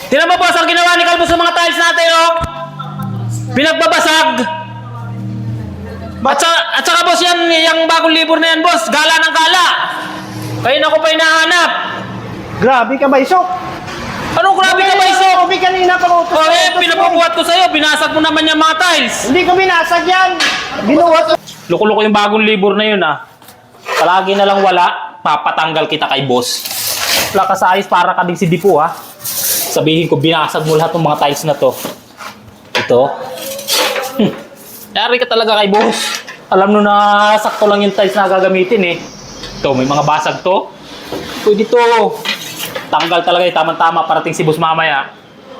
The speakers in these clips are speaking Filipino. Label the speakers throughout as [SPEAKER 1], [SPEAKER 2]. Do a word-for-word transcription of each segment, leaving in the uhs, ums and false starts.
[SPEAKER 1] Tingnan mo boss, ang ginawa ni Kalbo sa mga tiles natin, oh. Pinagbabasag. At, sa, at saka boss yan, yung bagong libur na yan boss, gala ng gala. Kaya na ko pa hinahanap.
[SPEAKER 2] Grabe ka ba, Isok?
[SPEAKER 1] Anong grabe ka ba, Isok?
[SPEAKER 2] Grabe kanina pa utos.
[SPEAKER 1] Oh, eh, pinapabuhat ko sa'yo, binasag mo naman yung mga tiles.
[SPEAKER 2] Hindi ko binasag yan. Binuhat.
[SPEAKER 1] Loko-loko yung bagong libur na yun, ah. Palagi na lang wala, papatanggal kita kay boss. Wala ka sa ayos para ka din si Dipo, ha. Sabihin ko, binasag mo lahat ng mga tiles na to. Ito. Hmm. Yari ka talaga kay boss. Alam mo na sakto lang yung tiles na gagamitin, eh. Ito, may mga basag to. Pwede to. Tanggal talaga eh, tama-tama parating si boss mamaya.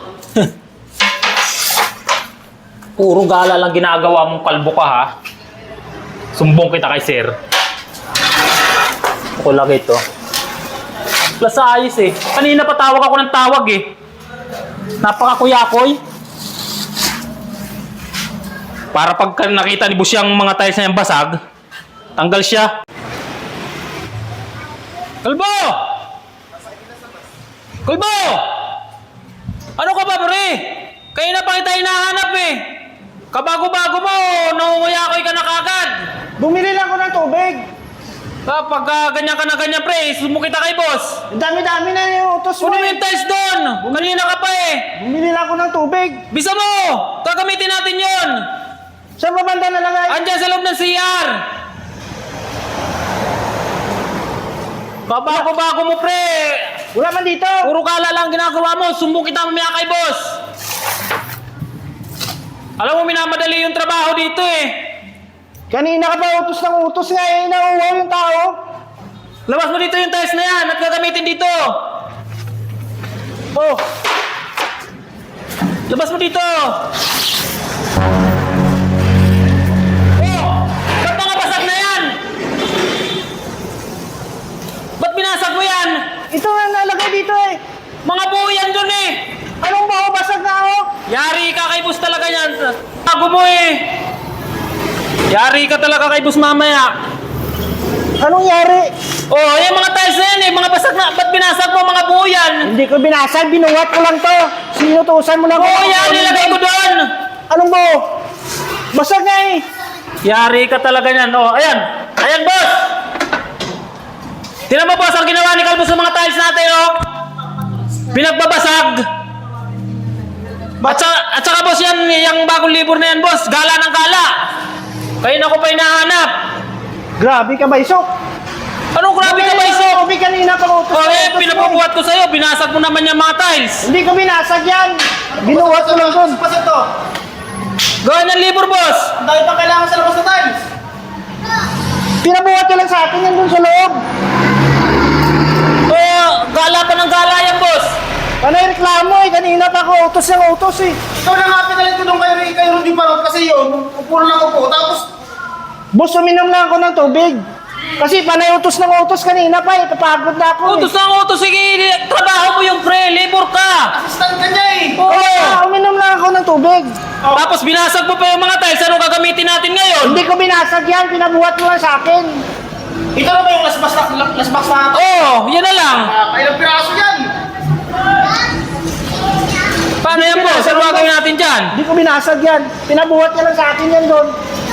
[SPEAKER 1] Puro gala lang ginagawa mong kalbo ka, ha. Sumbong kita kay sir. Ako lang ito. Plus sa ayos eh. Kanina pa tawag ako ng tawag eh. Napakakuyakoy. Para pag nakita ni boss yung mga tiles na yung basag, tanggal siya. Kalbo! Kalbo! Ano ka ba, pre? Kayo na pa kita hinahanap eh. Kabago-bago mo, nangunguyakoy ka na kagad.
[SPEAKER 2] Bumili lang ako ng tubig.
[SPEAKER 1] Kapag uh, ganyan ka na ganyan, pre, sumo kita kay boss.
[SPEAKER 2] Ang dami-dami na yung utos mo.
[SPEAKER 1] Puno mo yung tiles doon. Kanina ka pa eh.
[SPEAKER 2] Bumili lang ako ng tubig.
[SPEAKER 1] Bisa mo! Gagamitin natin yon.
[SPEAKER 2] Saan ba banda nalagay?
[SPEAKER 1] Andyan sa loob ng C R. Babago-bago mo, pre.
[SPEAKER 2] Wala man dito.
[SPEAKER 1] Puro kala lang ginagawa mo. Sumbong kita mamaya kay boss. Alam mo, minamadali yung trabaho dito eh.
[SPEAKER 2] Kanina ka pa utos ng utos nga eh. Nauuhaw yung tao.
[SPEAKER 1] Labas mo dito yung tiles na yan at gagamitin dito.
[SPEAKER 2] Oh.
[SPEAKER 1] Labas mo dito. Oh! Ba't mga basag na yan? Ba't binasag mo yan?
[SPEAKER 2] Ito nga nalagay dito eh.
[SPEAKER 1] Mga buo yan dun eh.
[SPEAKER 2] Anong baho basag na ako?
[SPEAKER 1] Yari ka kay boss talaga yan. Tago mo eh. Yari ka talaga kay boss mamaya.
[SPEAKER 2] Anong yari?
[SPEAKER 1] Oh, yung mga tiles na yan eh. Mga basag na. Ba't binasag mo mga buo yan?
[SPEAKER 2] Hindi ko binasag. Binuhat ko lang to. Sinutusan mo lang.
[SPEAKER 1] Oo, yan. Nilagay ko doon.
[SPEAKER 2] Anong baho? Basag nga eh.
[SPEAKER 1] Yari ka talaga yan. Oh, ayan. Ayan, boss. Tingnan mo, boss, ang ginawa ni Kalbo sa mga tiles natin, oh. Pinagbabasag. At, sa, at saka, boss, yan, yung bagong libur na yan, boss. Gala ng gala. Kaya na ko pa hinahanap.
[SPEAKER 2] Grabe ka ba, Isok?
[SPEAKER 1] Anong grabe ka ba, Isok?
[SPEAKER 2] Tubig kanina pa utos.
[SPEAKER 1] Oh, eh, pinapabuhat ko sa'yo. Binasag mo naman yung mga tiles.
[SPEAKER 2] Hindi ko binasag yan. Binuhat ko lang doon.
[SPEAKER 3] Pasok to.
[SPEAKER 1] Gawin ng libur, boss.
[SPEAKER 3] Ang dami pang kailangan sa labas na tiles.
[SPEAKER 2] Pinabuhat ko lang sa akin yan doon sa loob.
[SPEAKER 1] Oh, gala pa ng gala yan, boss.
[SPEAKER 2] Panay reklamo eh. Kanina pa ako utos ng utos eh.
[SPEAKER 3] Ikaw na nga pinalit ko nung kayo, kayo Rudy Parot kasi yun, puro lang upo. Tapos,
[SPEAKER 2] Boss, uminom lang ako ng tubig. Kasi panay utos ng utos kanina pa eh. Papagod na ako
[SPEAKER 1] Utos na utos. Sige, trabaho mo yung pre. Libur ka.
[SPEAKER 3] assistant ka niya eh.
[SPEAKER 1] Oo.
[SPEAKER 2] eh. Ah, uminom lang ako ng tubig.
[SPEAKER 1] Tapos binasag mo pa yung mga tiles. Ano gagamitin natin ngayon?
[SPEAKER 2] Hindi ko binasag yan. Pinabuhat mo lang sa akin.
[SPEAKER 3] Ito na ba yung lasbas na, lasbas na ito?
[SPEAKER 1] Oo, oh, yan na lang.
[SPEAKER 3] Ah, kailang piraso yan.
[SPEAKER 1] Paano yan, boss? Ano gagawin natin dyan?
[SPEAKER 2] Hindi ko binasag yan. Pinabuhat niya lang sa akin yan doon.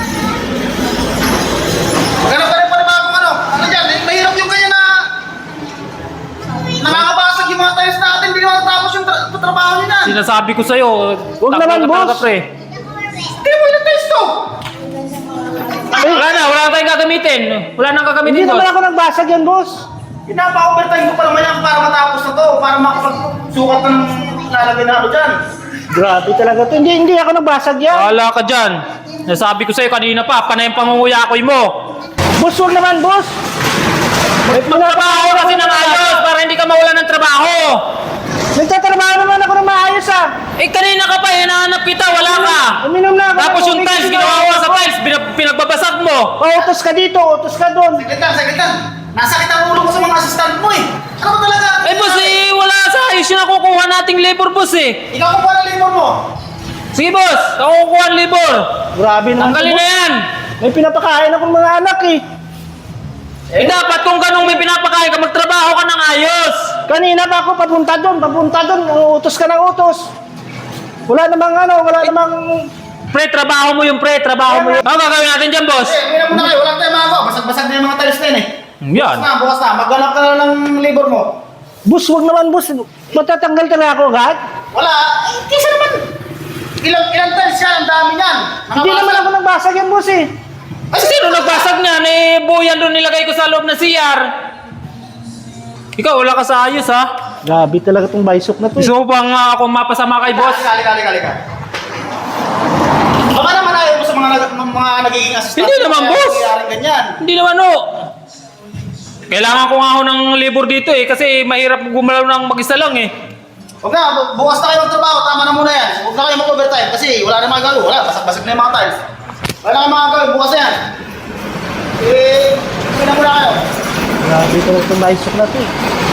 [SPEAKER 3] Maghanap ka rin pa rin bagong ano. Ano dyan, eh, mahirap yung kanya na nakakabasag yung mga tiles natin. Hindi naman natapos yung tra trabaho nila.
[SPEAKER 1] Sinasabi ko sa'yo.
[SPEAKER 2] Huwag
[SPEAKER 1] takbo
[SPEAKER 2] naman,
[SPEAKER 1] ka talaga,
[SPEAKER 2] boss.
[SPEAKER 1] pre.
[SPEAKER 3] Hindi mo ilang tiles to.
[SPEAKER 1] Wala na, wala na tayong gagamitin. Wala nang gagamitin,
[SPEAKER 2] Hindi naman
[SPEAKER 1] boss.
[SPEAKER 2] ako nagbasag yan, boss.
[SPEAKER 3] Pinapa-overtime ko pa naman yan para matapos na to. Para makapagsukat ng lalagay na ako dyan.
[SPEAKER 2] Grabe talaga to. Hindi, hindi ako nagbasag yan.
[SPEAKER 1] Wala ka dyan. Nasabi ko sa'yo kanina pa, panay yung pangunguyakoy mo.
[SPEAKER 2] Boss, huwag naman, boss.
[SPEAKER 1] Magtrabaho kasi ng ayos para hindi ka mawala ng trabaho.
[SPEAKER 2] Nagtatrabaho naman ako ng maayos ah.
[SPEAKER 1] Eh, kanina ka pa, hinahanap kita, wala ka.
[SPEAKER 2] Uminom na ako.
[SPEAKER 1] Tapos
[SPEAKER 2] ng
[SPEAKER 1] yung
[SPEAKER 2] tubig,
[SPEAKER 1] tiles,
[SPEAKER 2] hindi
[SPEAKER 1] ginawa
[SPEAKER 2] na
[SPEAKER 1] mo
[SPEAKER 2] ako.
[SPEAKER 1] sa tiles, pinag- pinagbabasag mo.
[SPEAKER 2] Oh, utos ka dito, utos ka doon.
[SPEAKER 3] Saglit lang, saglit lang. Nasakit ang ulo ko sa mga assistant mo eh. Ano ba talaga?
[SPEAKER 1] Eh, boss, eh, wala sa ayos yung nakukuha nating labor, boss, eh.
[SPEAKER 3] Ikaw kung ng labor mo.
[SPEAKER 1] Sige, boss, ako kukuha ang labor.
[SPEAKER 2] Grabe naman.
[SPEAKER 1] Tanggalin
[SPEAKER 2] to,
[SPEAKER 1] na
[SPEAKER 2] boss.
[SPEAKER 1] yan.
[SPEAKER 2] May pinapakain akong mga anak eh.
[SPEAKER 1] Eh, dapat kung ganong may pinapakain ka, magtrabaho ka ng ayos.
[SPEAKER 2] Kanina pa ako papunta doon, papunta doon, utos ka ng utos. Wala namang ano, wala namang...
[SPEAKER 1] Pre, trabaho mo yung pre, trabaho mo yung... Ano gagawin natin dyan, boss?
[SPEAKER 3] Eh, uminom muna kayo. Wala tayong magawa. Basag-basag na yung mga tiles na yun eh.
[SPEAKER 1] Yan.
[SPEAKER 3] Bukas na, bukas na. Maghanap ka na ng labor mo.
[SPEAKER 2] Boss, wag naman boss. Matatanggal ka na ako agad.
[SPEAKER 3] Wala. Eh, kisa naman. Ilang, ilang tiles yan. Ang dami yan.
[SPEAKER 2] Hindi naman ako nagbasag yan, boss eh.
[SPEAKER 3] Ay,
[SPEAKER 1] Sino nagbasag niyan? Eh, buyan doon nilagay ko sa loob ng C R. Ikaw, wala ka sa ayos, ha?
[SPEAKER 2] Grabe talaga tong bisok na to. eh.
[SPEAKER 1] Gusto mo bang uh, ako mapasama kay boss?
[SPEAKER 3] Kali, kali, kali, kali. Baka naman ayaw mo sa mga, nag- mga nagiging assistant.
[SPEAKER 1] Hindi naman,
[SPEAKER 3] Kaya
[SPEAKER 1] boss.
[SPEAKER 3] nangyayaring ganyan.
[SPEAKER 1] Hindi naman, no. Kailangan ko nga ako ng labor dito, eh. Kasi mahirap gumalaw ng mag-isa lang, eh.
[SPEAKER 3] Huwag na, bu- bukas na kayo magtrabaho. Tama na muna yan. Huwag na kayo mag-overtime kasi wala na magagawa. Wala, basag-basag na yung mga tiles. Wala na kayo magagawa. Bukas na yan. Eh, hindi na muna kayo.
[SPEAKER 2] Grabe talaga tong bisok na to eh.